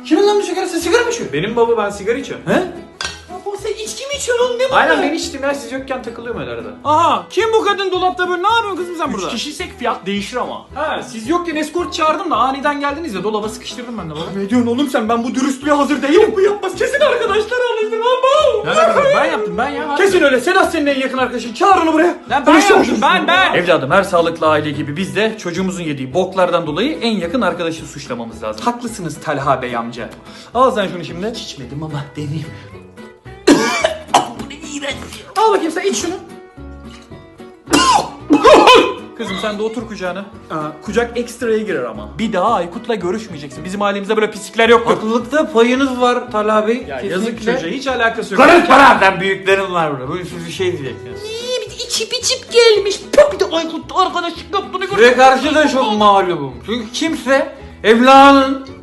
Kimin lan bu sigara? Sen sigara mı içiyorsun? Benim baba, ben sigara içiyorum. He? Baba sen içki mi içiyorsun oğlum? Ne bu? Aynen, ben içtim ya, siz yokken takılıyorum öyle arada. Aha, kim bu kadın dolapta böyle? Ne yapıyorsun kızım sen burada? 3 kişiysek fiyat değişir ama. Ha, siz yokken eskort çağırdım da aniden geldiniz ya, dolaba sıkıştırdım ben de baba. Ne diyorsun oğlum sen? Ben bu dürüstlüğe hazır değilim. Bu yapmaz. Kesin arkadaşlar alıştır lan. Ne alakası? Ben yaptım, ben ya. Kesin öyle. Sedat senin en yakın arkadaşın. Çağır onu buraya. Lan ben yaptım, ben. Evladım, her sağlıklı aile gibi biz de çocuğumuzun yediği boklardan dolayı en yakın arkadaşı suçlamamız lazım. Haklısınız Talha Bey amca. Al sen şunu şimdi. İçmedim ama deneyeyim. Al bakayım sen iç şunu. Kızım sen de otur kucağına. Kucak ekstraya girer ama. Bir daha Aykut'la görüşmeyeceksin. Bizim ailemizde böyle pislikler yoktur. Haklılıkta payınız var Talha Bey. Ya yazık çocuğa, hiç alakası yok. Karış bana, büyüklerim var burada. Böyle bir şey diyeceksiniz. İçip gelmiş. Bir de Aykut'la arkadaşlık yaptığını Ve karşı da çok mağlubum. Çünkü kimse evladının